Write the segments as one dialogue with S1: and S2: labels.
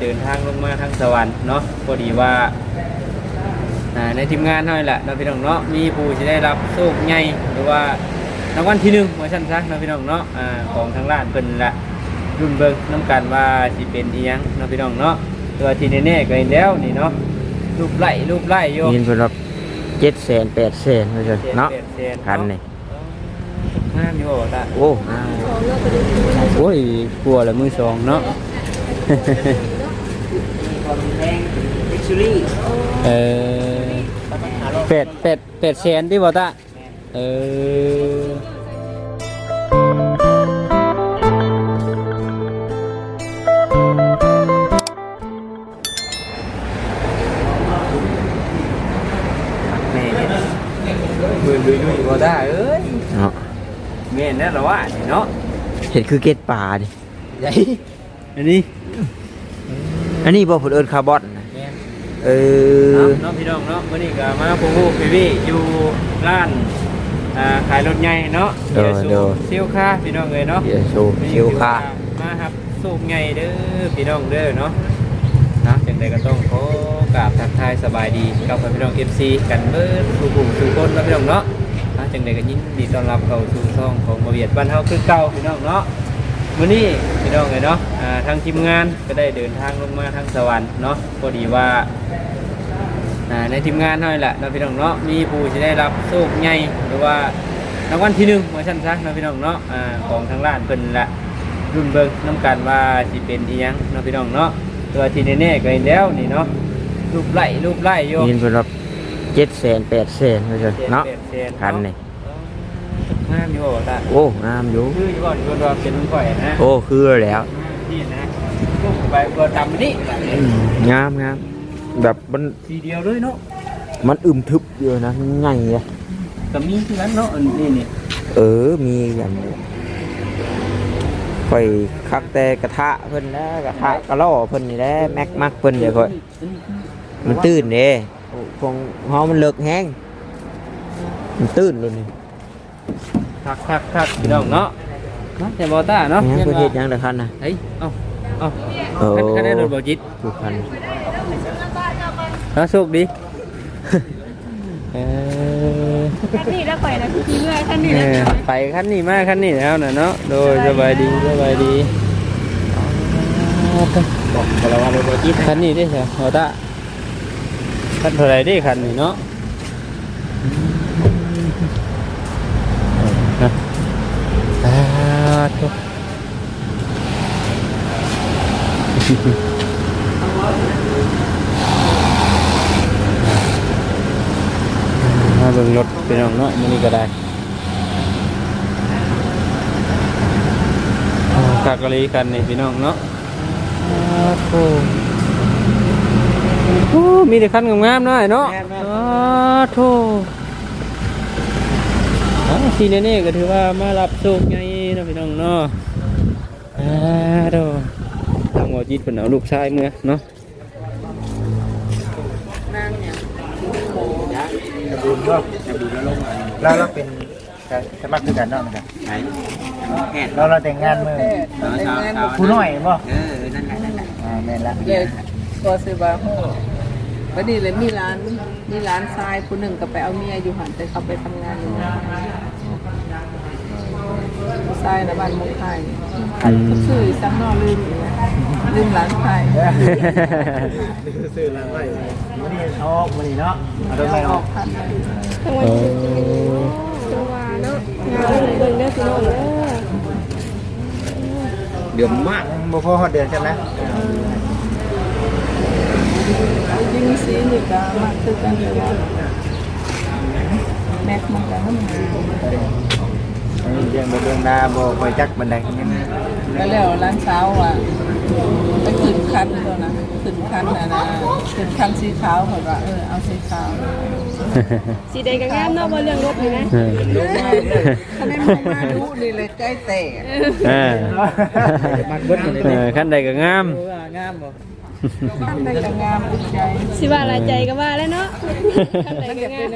S1: เดินทางลงมาทางสวรรค์เนาะพอดีว่าในทีมงานเท่านั้นแหละเราพี่น้องเนาะมีผู้ที่ได้รับโชคใหญ่หรือว่ารางวัลที่1ว่าซั่นซะเราพี่น้องเนาะของทางร้านเพิ่นละรุ่นเบิ่งน้ำกันว่าสิเป็นอีหยังเราพี่น้องเนาะตัวที่แน่ๆก็เห็นแล้วนี่เนาะรูปไล่อยู่
S2: ยินเพิ่นรับ700,000 800,000ว่าซั่นเนาะคันนี่
S1: งามอยู่บ่ตา
S2: โอ้
S1: โอ้ยกลัวละมือสองเนาะ800,000ที่บ่ตามือลุยๆบ่ได้เอ้ย
S2: เนาะ
S1: แม่นแล้วเหรอวะเนาะ
S2: เห็นคือเกล็ดปลาดิ
S1: ใหญ่อันนี้
S2: บ่เพิ่นเอิ้นคาร์บอนนะ
S1: น้องพี่น้องเนาะมื้อนี้ก็มาพูพี่อยู่ร้านขายรถใหญ่เนาะเดี๋ยวสูเซียวค่าพี่น้องเอ้ยเนาะ
S2: เดี๋ยวสูเซียวค่า
S1: มาครับสูบใหญ่เด้อพี่น้องเด้อเนาะจังได๋ก็ต้องขอกราบทักทายสบายดีกับพี่น้อง FC กันเบิดทุกกลุ่มทุกคนนะพี่น้องเนาะจังได๋ก็ยินดีต้อนรับเข้าสู่ช่องของบ่เวียดบ้านเฮาคือเก่าพี่น้องเนาะมื้อนี้พี่น้องเอ้ยเนาะทางทีมงานก็ได้เดินทางลงมาทางสวรรค์เนาะพอดีว่าในทีมงานเท่านั้นแหละเราพี่น้องเนาะมีผู้ที่ได้รับโชคใหญ่หรือว่ารางวัลที่1ว่าซั่นซะเราพี่น้องเนาะของทางร้านเพิ่นละรุ่นเบิ่งน้ำกันว่าสิเป็นอีหยังเราพี่น้องเนาะตัวที่แน่ๆก็เห็นแล้วนี่เนาะรูปไล่อยู่
S2: ยินเพิ่นรับ700,000 800,000ว่าซั่นเนาะคันนี่
S1: งามอยู่บ่ตา
S2: โอ้งามอยู่
S1: คืออยู่บ่อยู่ว่าเป็นข่อยนะ
S2: โอ้คือแล้ว
S1: นี่นะลูกไปบ่ตามนี่
S2: งามแบบมัน
S1: ทีเดียวเลยเนาะ
S2: มันอึมทึบอยู่นะมันใหญ่อ่ะ
S1: ก็มีที่นั้นเนาะนี่
S2: มีอย่างค่อยคักแต่กระทะเพิ่นแล้วกระทะกระล่อเพิ่นนี่แหละแม็กมักเพิ่นเดี๋ยวค่อยมันตื้นเด้ของเฮามันเลิกแห้งมันตื้นเลยนี่
S1: คักพี่น้องเนาะแต่บ่ตาเนาะ
S2: ยังบ่เฮ็ดหยังเด้อคันน่ะ
S1: เฮ้ยเอ้าคันได้รถบ่จิต
S2: ทุกคัน
S1: โชคดี
S3: คันนี้แล้วไปนะพี่เมื่อคันนี้
S1: ไปคันนี้มาคันนี้แล้วน่ะเนาะโดยสบายดีบอกกระวังรถบ่จิตคันนี้ได้ใช่บ่ตาคันเท่าไหร่ได้คันนี้เนาะมาเบิ่งรถเป็นน้องเนาะมื้อนี้ก็ได้คักกะลีกันนี่พี่น้องเนาะโอ้มีแต่คันงามๆเนาะเนาะโธ่ทีนี้ก็ถือว่ามารับโชคใหญ่นะพี่น้องเนาะโธ่ทางหมอจิตเพิ่นเอาลูกชายเมื่อเนาะ
S4: เราเป็นสมัครคือกันเนาะเหมือนกันเราแต่งงานเมื่อผู้น้อยบ่
S3: นั่นแหละ
S4: แม่นละ
S5: เลยก็ซื้อบาโฮวันนี้เลยมีร้านทรายผู้หนึ่งก็ไปเอาเมียอยู่หันแต่เขาไปทำงานอยู่ทรายนะบ้านมุกไทยชื่อซ้ำนอลืมร้านไทย
S4: ซื้อร้านไทยวันนี้ออกวันนี้เนาะเอาไปออก
S3: ทั้งวันจังหวะเนาะงานเบิ่งได้พี่น้อง
S1: เดือดมาก
S4: บ่พอฮอดเดือนใช่ไหม
S5: ยิ่งสีนี่ก็มากคือกันเลยว่าแม็กมันก็น้ำหนา
S4: เรื่องนาบ่คอยจักบันได
S5: ก็แล้วร้านเช้าอ่ะไปขึ้นคันตัวนะขึ้นคันขึ้นคันสีขาวเขาว่าเอาสีขาว
S3: สีแดงก็งามเนาะบ่เรื่องรถนี่นะ
S5: คันนี้มาดูนี่เลยใจแตก
S1: มันเบิดคันใดก็งาม
S5: งามบ่คันใดก็งามใจ
S3: สิว่าหลายใจก็ว่าแล้วเนาะคันใดก็งาม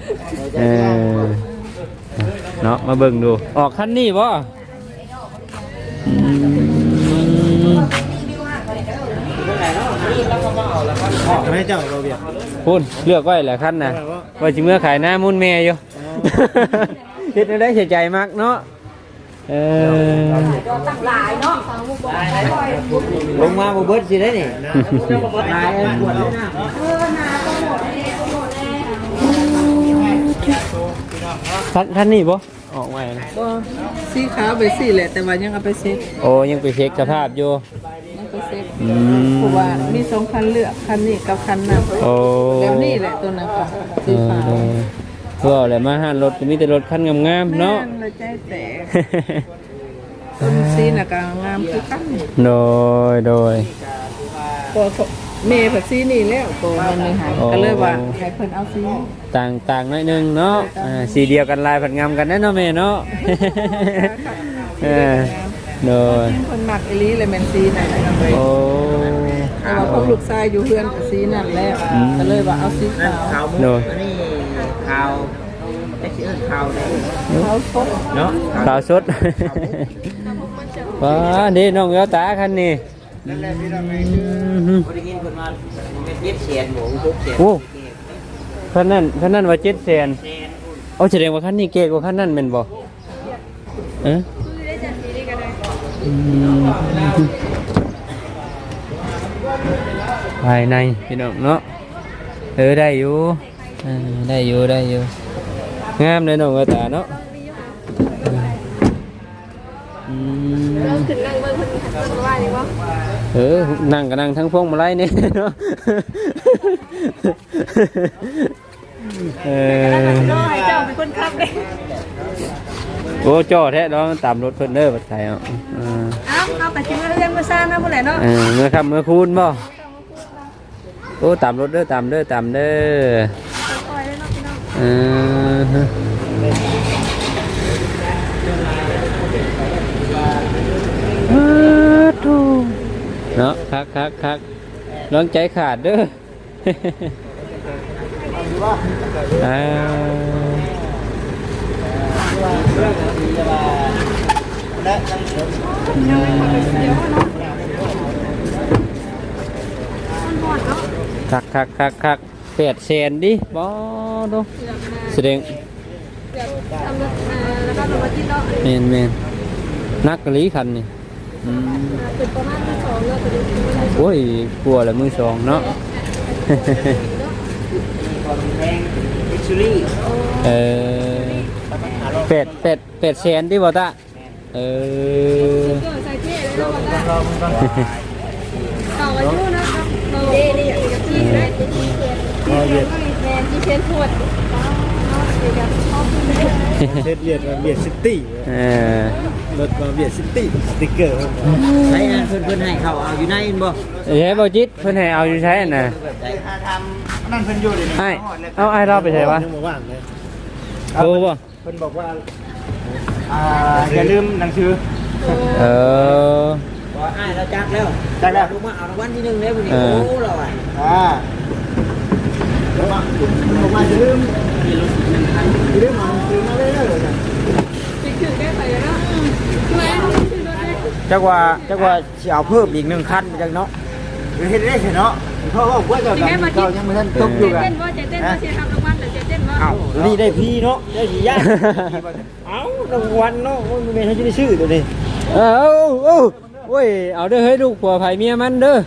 S1: เนาะมาเบิ่งดูออกคันนี้บ่
S4: ไม่เจ้าเราเบียด
S1: พูนเลือกไว้แหละคันน่ะว่าสิเมื่อขายหน้ามุ่นแม่อยู่เฮ็ดได้เสียใจมากเนาะ
S2: ลงมาบ่เบิดสิได้นี่ลายปวดเลยนะ
S1: ท่านนี่บ่ออกไว้นะ
S5: ก็สีขาวไปสีแหละแต่ว่ายังเอาไปเซ็ต
S1: โอ้ยังไปเช็คสภาพอยู่
S5: ยังไปเซ็ตเพราะว่ามีสองคันเลือกคันนี้กับคันนั้น
S1: โอ้
S5: แล้วนี่แหละตัวนั้นค่ะสีขาว
S1: ก็แหละมาหารถก็มีแต่รถคันงามๆเนาะ
S5: แม่เราใจแตกต้นสีน่ะก็งามคือกัน
S1: โดย
S5: พอเมย์ผัดสีนี่แล้วตัวมันเลยหายก็เลยว่าให้เพิ่นเอาสี
S1: ต่างหน่อยหนึงเนาะสีเดียวกันลายผัดงามกันแน่เนาะแม่เนาะโดย
S5: เพิ่นมักอีหลีเลยแม่นสีนั่นแหละ
S1: โอ้
S5: แต่ว่าพวกลูกชายอยู่เฮือนกับสีนั่นแล้วก็เลยว่าเอาสีขาว
S2: ขาวมุก
S1: โดย
S2: อันนี้ขาวได้สิเอิ้นขาวได้
S5: ขาวสด
S2: เนาะ
S1: ขาวสดว้าเด้น้องเอลตาคันนี้
S2: บ่ได้ยินเพิ่นว่าเม็ดเย็บเสียนหมูทุกเสียน
S1: โอ้คันนั้นว่า700,000เอาแสดงว่าคันนี้เก๋กว่าคันนั้นแม่นบ่ภายในพี่น้องเนาะได้อยู่ได้อยู่งามเลยน้องเอลตาเนาะ
S3: เราขึ้นนั่งเบิ่งคนขับรถว่านี่บ่
S1: นั่งก็นั่งทั้งพวงมาลัยนี่เนาะ
S3: น้อยเจ้าเป็นคนขับเด้
S1: โอ้จ่อแท้เนาะตามรถเพิ่นเด้อบัดไทยเอา
S3: เอาไปกินเรื่องมื้อซ่านะพุ่นแหละเนาะ
S1: เมื่อค่ำเมื่อคืนบ่โอ้ตามรถเด้อตามเด้อ
S3: ปล่อยเลยเนาะพี่น้อง
S1: เนาะคักร้องใจขาดเด้อคัก800,000ดิบ่ดูแสดง
S3: ทำแล้วก็มาที่เนาะ
S1: แม่นนักกะลีคันนี่
S3: เป็นประมาณ2เนาะตัวนี้
S1: โอ้ยกลัวแหละมือสองเนาะ 800,000ที่บ่ตา
S3: ใส่เท่เลยเนาะต่ออายุนะครับนี่กับที่ได้ที่แทนที่เชนทวด
S4: เบียดซิตี้รถมาเบียดซิตี้สติ๊กเกอร์
S2: ใช้นะเพิ่นให้เขาเอาอยู่ในบ่
S1: ใช้บ่จิตเพิ่นให้เอาอยู่ใช้น่ะ
S4: นั่นเพิ่นอยู่เลย
S1: เอาไอ้เราไปใช้วะ
S4: ว่างเลย
S1: โอ้บ่
S4: เพิ่นบอกว่าอย่าลืมหนังสือ
S2: บ่อ้ายเราจักแล้วลูกมาเอารางวัลที่1แล้วพุ่นนี่โอ้เราอ่ะ
S4: บอกว่าอย่าลืมเอาหนังสือมาเลยเด้อ
S3: ถึงได้ไปแล้ว
S2: จักว่าสิเอาเพิ่มอีก1คันจังเนาะ
S4: เฮ็ดได้เนาะเพราะว่าพวกเจ้ายังไม่ทันตกอยู่กัน
S3: เต้นว่าจะเต้นว่าจะทำรางวัลหรือจะเต้นว่า
S2: อ้าวนี่ได้พี่เนาะได้สิยากเอ้ารางวัลเนาะมันแม่นเฮาจะได้ซื้อตัวนี้
S1: โอ้ยเอาเด้อเฮ้ยลูกผัวไผเมียมันเด้อ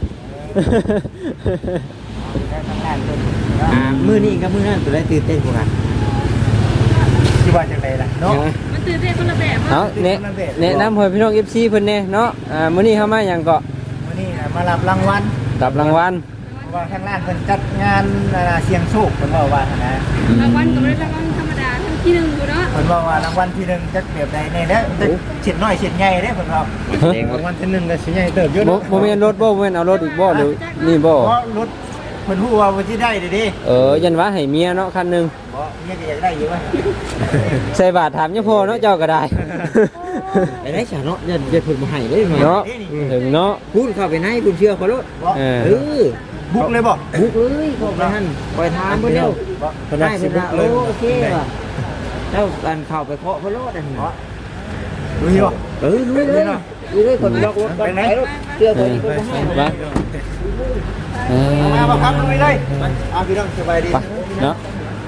S2: มื้อนี้กับมื้อนั้นตัวได้ตื่นเต้นกว่ากัน
S4: ที่ว่าจังไดล่ะเนาะ
S3: มันตื่นเต้นคนละแบบ
S1: เอาแนะนำให้พี่น้อง FC เพิ่นแน่เนาะมื้อนี้เฮามาหยังเกาะ
S4: วันนี้มารับรางวัล
S1: รับรางวัล
S4: ว่าทางร้านเพิ่นจัดงานเสียงโชคเพิ่นบอกว่านะ
S3: รางวัลก็ไม่ได้รางวัลธรรมดาทั้งที่1อยู่เนาะ
S4: เพิ่นบอกว่ารางวัลที่1จัดแบบใดแน่แล้วเฉียดน้อยเฉียดใหญ่เด้เพิ่นบอกรางวัลที่1ก็สิใหญ่เติบอยู่
S1: บ่แม่นรถบ่แม่นเอารถอีกบ่หรือนี่บ่
S4: เพราะรถเพิ่นฮู้ว่าสิได้เด้
S1: ยันว่าให้เมียเนาะคันหนึง
S4: บ่เมียก็อยากได้อยู่ว่า
S1: ใส่บาทถามยังพอเนาะเจ้าก็ได้
S2: ไปได้ฉะเนาะเดี๋ยวเพิ่นบ่ให้เด้
S1: เนาะถึงเนาะ
S2: คุณเข้าไปในคุณเชื่อเขาโลด
S4: บุกเลยบ่
S2: บุกเลยเข้าไปหั่นปล่อยทางเพิ่นเร็ว
S4: เพิ่น
S2: ได้
S4: สิ
S2: เพิ่น
S4: บุกเลย
S2: โอเคว่ะแล้วกันเข้าไปเคาะเพิ่นโลดอันนี้
S4: รู้อยู่บ่
S2: ลุยเลยอยู่ด้วยคนล็อกรถไปรถเชื่อตัวนี้ก็ให้
S1: ไปเออ
S4: มาพักตรงนี้เลยพี่น้องสบายดี
S1: ไปเนาะ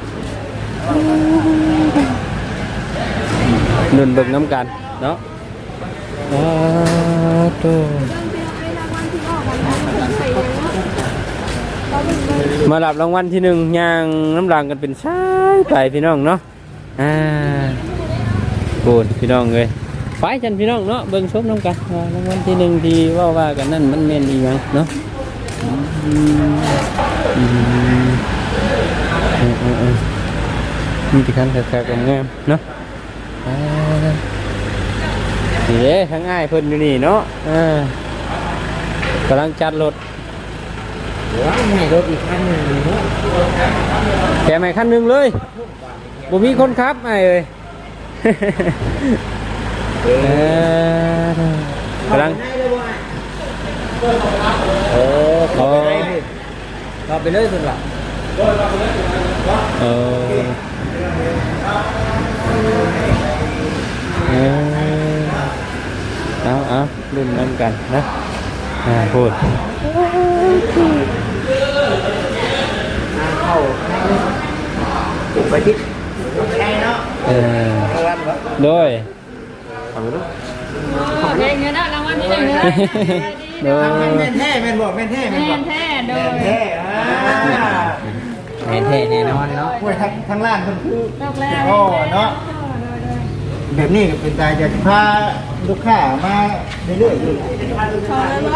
S1: นุ่นเบิ่งน้ำกันเนาะตัวมารับรางวัลที่หนึ่งย่างน้ำรางกันเป็นชายไปพี่น้องเนาะโกนพี่น้องเลยไปจันพี่น้องเนาะเบิ่งชมน้ำกันรางวัลที่หนึ่งที่ว่ากันนั่นมันเมนอีกมั้งเนาะมีที่คันแท้ๆงามเนาะนี่เด้ทั้งง่ายเพิ่นอยู่นี่เนาะกำลังจัดรถ
S2: ว้าวให้รถอีกคันนึงเนาะ
S1: แกใหม่คันหนึ่งเลยบ่มีคนขับไอ้เอ้ยกำลัง
S2: เราไปเลยสุดละ
S1: เอารุ่นน้ำกันนะพูด
S2: เข้าไปทิศ
S1: โดย
S3: เงินรางวัลที่หนึ่งเลย
S1: โดย
S4: แม่นแท้แม่นบอกแม่นแท้แม่นบอก
S3: แท้โดย
S4: แท้
S2: แน่แน่นอนเนาะ
S4: โอ้ยทั้งร้านเพิ่นคือ
S3: ตกแล้ว
S4: โอ้เนาะแบบนี้ก็เป็นตายจะพาลูกค้ามาเรื่อยๆอยู่
S3: ชอบแล้ว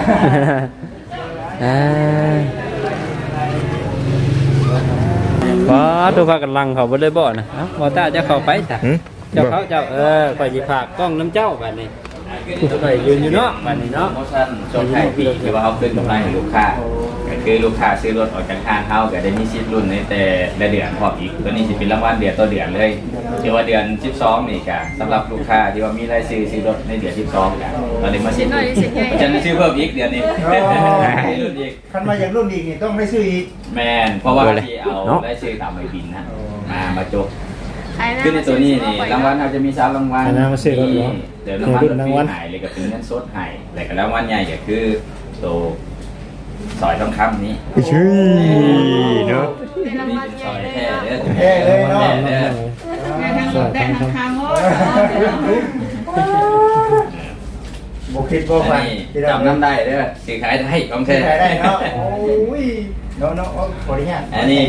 S1: ว้าตัวพากันลังเขาบ่ได้บ่นะบ่ตาจะเข้าไปจ้ะเจ้าเขาเจ้าข่อยสิฝากกล้องน้ำเจ้าบัดนี้ข่อยยืนอยู่เนาะบัดนี้เนาะ
S6: โปรโมชั่นช่วงท้ายปีที่ว่าเขาขึ้นกำไรให้ลูกค้าก็คือลูกค้าซื้อรถออกจากห้างเขาก็ได้มีสิทธิ์รุ่นในแต่ละเดือนพร้อมอีกตัวนี้สิเป็นรางวัลเดือนต่อเดือนเลยที่ว่าเดือน12นี่ก็สำหรับลูกค้าที่ว่ามีรายซื้อรถในเดือน12ก็ตอนนี้มาสิทธิ์จะซื้อเพิ่มอีกเดือนนี้รุ่นอีก
S4: คันมาอย่างรุ่นอีกนี่ต้องได้ซื้ออีก
S6: แม่นเพราะว่าที่เอาได้ซื้อตามใบบินนะมาจบขึ้นในตัวนี้นี่รางวัลเราจะมี3รางวัลเดี๋ยวรางวัลรางวัลหายเลยก็เป็นเงินสดหายแต่ก็รางวัลใหญ่ก็คือตัวสอยทองคำนี้
S2: ชื่อเนาะ
S6: สอยแท้เด้อ
S4: แท้เลยเนาะ
S6: แท้เด้อ
S3: แต่ทางทางโอ้
S4: บ่คิดบ่
S6: อั
S4: ฝั
S6: น
S4: น
S6: นี้จำน้ำได้เด้อซื้อขายได้ของ
S4: ใช้
S6: แท้
S4: ได้เนาะโอ้ยเนาะขออนุญาต
S6: อันนี้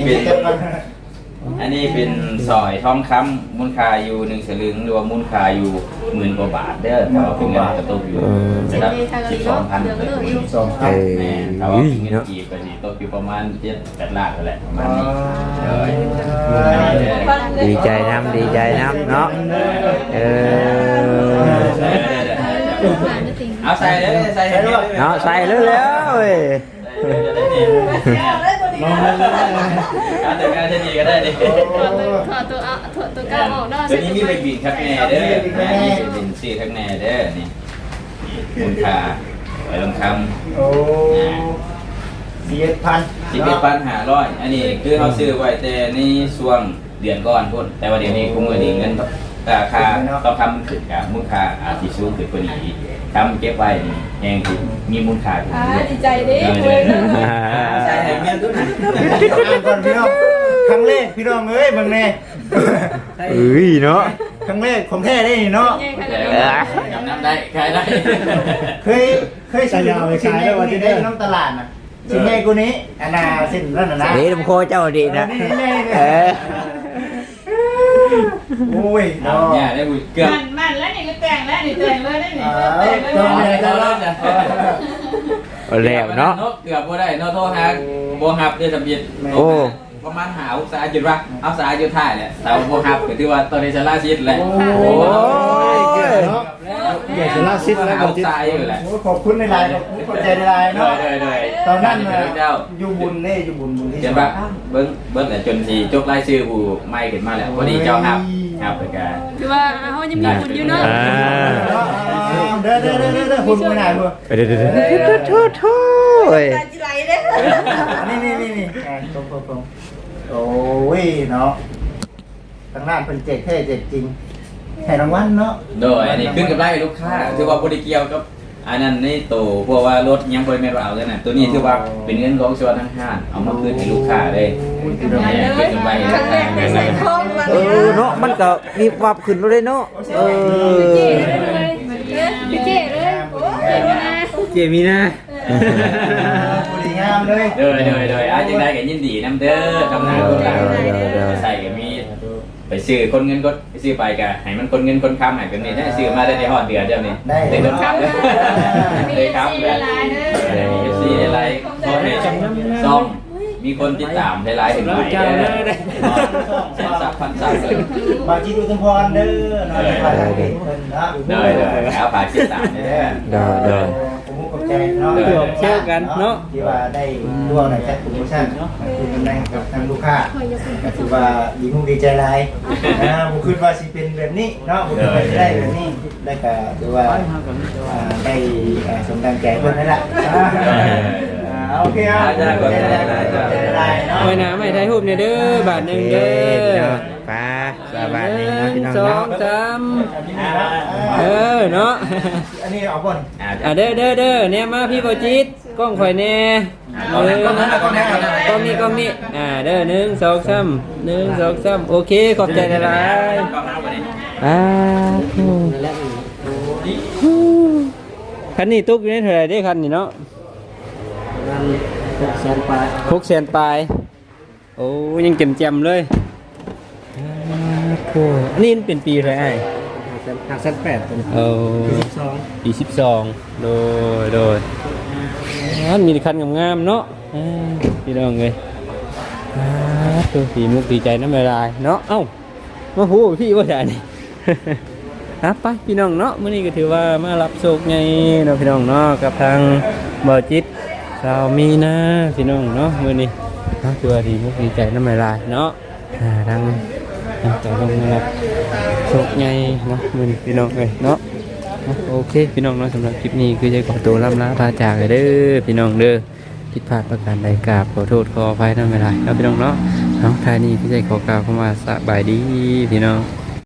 S6: เป็นสอยทองคำมูลค่าอยู่1 สลึงหรือว่ามูลค่าอยู่10,000 กว่าบาทเด้อแต่ว่าเป็นเงินกระตุกอยู่ระดับ 12,000
S4: 12ครับ
S6: แม่ถ้าว่าเป็นเงินกีบก็สิตกอยู่ประมาณ7-8 ล้านนั่นแหละประมาณนี้เลย
S2: ดีใจน้ำเนาะ
S6: เอาใส่เลยใส่ให้เยอะ
S2: เนาะใส่เร็วๆเว้ย
S6: การจัดการจะดีก็ได้ดิ
S3: ถอดตัวเก้าออกได้
S6: ตัวนี้มีใบบินครับแน่เด้อแม่นี่จะเป็นซื้อข้างแน่เด้อนี่มูลค่าไว้ลงคำ
S4: โอ้11,000
S6: 11,500อันนี้คือเขาซื้อไว้แต่ในช่วงเดือนก่อนพุ่นแต่ว่าเดี๋ยวนี้คุ้มเงินเงินราคาต้องทำขึ้นกับมูลค่าอาจจะสูงขึ้นกว่านี้ทำเก็บไว้แหงที่มีมูลค่าอยู่
S3: ดีใจดิ
S6: ใช่ให้เมียนตัวไหน
S4: ก่อนพี่น้องครั้งแรกพี่น้องเอ้ยเบิ่งแน่
S2: เนาะ
S4: ครั้งแรกของแท้ได้นี่เนาะ
S6: จำน้ำได้ขายได้
S4: เคยซื้อสินแม่กูนี่ได้น้ำตลาดน่ะสินแม่กูนี้อันน่ะสินนั่นน่ะนะ
S2: เฮ้ยลำโคเจ้าดีนะ
S4: โอ้ย
S6: เอา
S4: เนาะ
S6: เนี่ยได้บุญเกือบ
S3: มันแล้วนี่ก็แต่งแล้วนี่แต่งเลยได้นี่แต่งเลย
S4: ต้องอะไรกันล่ะ
S2: แล้วเนาะ
S6: เกือบบ่ได้เนาะโทรหาบ่ฮับได้ทะเบียน
S2: โอ้
S6: ประมาณหาอุตสาหจุดว่าเอาสาจุดท้ายแหละแต่บ่ฮับก็ถือว่าตอนนี้จะล่าชิดแหละ
S2: โอ้
S4: เกิดเนาะเกิดจะล่าซิดแล้ว
S6: เอาสายอยู่แหละ
S4: ขอบคุณในไลน์ขอบใจในไลน์เนาะ
S6: เลย
S4: ตอนนั้น
S6: เจ้า
S4: อยู่บุญเน่อยู่บุญที่
S6: เห็นปะเบิ้งแต่จนสีจกไล่ชื่อผู้ไม่ขึ้นมาแล้วพอดีเจ้าฮับไปกัน
S3: คือว่าเขายังมีบุญอยู่เนาะ
S4: เด้อคุณไม่ได้เพื่อ
S2: เดี๋ยวโถ่
S3: ตาจิไหลเลย
S4: นี่ตรงโอ้ยเนาะทางด้านเป็นเจ็กเท่เจ็กจริงให้รางวัลเนาะ
S6: โดยอันนี้ขึ้นกับไล่ลูกค้าถือว่าบ่ได้เกี่ยวกับอันนั้นในตัวเพราะว่ารถยังบ่ได้แม่นว่าเอาแล้วน่ะตัวนี้ถือว่าเป็นเงินของส่วนทางห้างเอามาคืนให้ลูกค้าเลยขึ้นกับไล่ลูก
S3: ครั้งแร
S6: ค้าก
S3: ใส่ทองมา
S2: เออเนาะมันก็มีวับขึ้นเลยเนาะเออ
S3: พี่เจ๊เลยเจ๊มานะ
S1: เจมีนะ
S4: บุรีงามเลย
S6: โดยอาจจะได้ก็ยินดีนำเด้อทำงานลูกค้าใส่ก็มีไปซื้อคนเงินก็ซื้อไปก็ให้มันคนเงินคนค้ำให้เป็นนี่ได้ซื้อมาได้ในฮอดเดือนเดียวนี่ได้รถค้ำเลยครับมีซีอะไรขอให้ซ่อมมีคนติดตามหลายๆถึงหลายแสนซับพันซับเลย
S4: บางทีดูทุมพรเด้อเนาะมาทางเด็กเพิ่นเนาะ
S6: แล้วฝากติดตามเด้อ
S2: เด้อ
S4: ผมขอบใจเนาะที่ว่าได้ร่วมในแคทโปรโมชั่นเนาะคือเป็นแรงกับทางลูกค้าก็ถือว่าดีมุกดีใจหลายผมคิดว่าสิเป็นแบบนี้เนาะผมคิดว่าได้แบบนี้ได้ก็ถือว่าได้สมดังใจเพิ่นนั่นแหละโอเคครับได้เนาะ
S1: ไว้นะไม่ไทยรูปเนี่ยเด้อบาทหนึ่งเด้อ
S2: ป้าสบายดีเนาะพี่น้อง
S1: สอ
S2: เนาะ
S1: งสามเนาะ
S4: อันนี้เอาก่อน
S1: เด้อเนี่ยมาพี่โบจิตกล้องข่อยแน่กล้องนี้เด้อ1 2 3 1 2 3โอเคขอบใจหลายคันนี้ตุ๊กอยู่ในเท่าไหร่ได้คันนี้เนาะ600,000 ปลายโอ้ยังแจ่มๆเลยนี่เป็นปีอะไรไอ้508ปี12โดยนั่นมีคันงามๆเนาะพี่น้องเลยตัวสีมุกดีใจน้ำลายเนาะเอ้ามาพูดพี่ว่าจะนี่ ไปพี่น้องเนาะมื้อนี้ก็ถือว่ามารับโชคไงเนาะพี่น้องเนาะกับทางบ่อจิตสาวมีนะพี่น้องเนาะมื้อนี้ถือว่าดีมุกดีใจน้ำลายเนาะทางต่อลงนะครับโชคไงเนาะมื้อนี้พี่น้องเลยเนาะโอเคพี่น้องเนาะสำหรับคลิปนี้คือจะขอตัวล่ำลาพาจากเลยเด้อพี่น้องเด้อผิดพลาดประการใดกราบขอโทษขออภัยน้ำลายเนาะพี่น้องเนาะท้ายนี้คือจะขอกล่าวคำว่าสบายดีพี่น้อง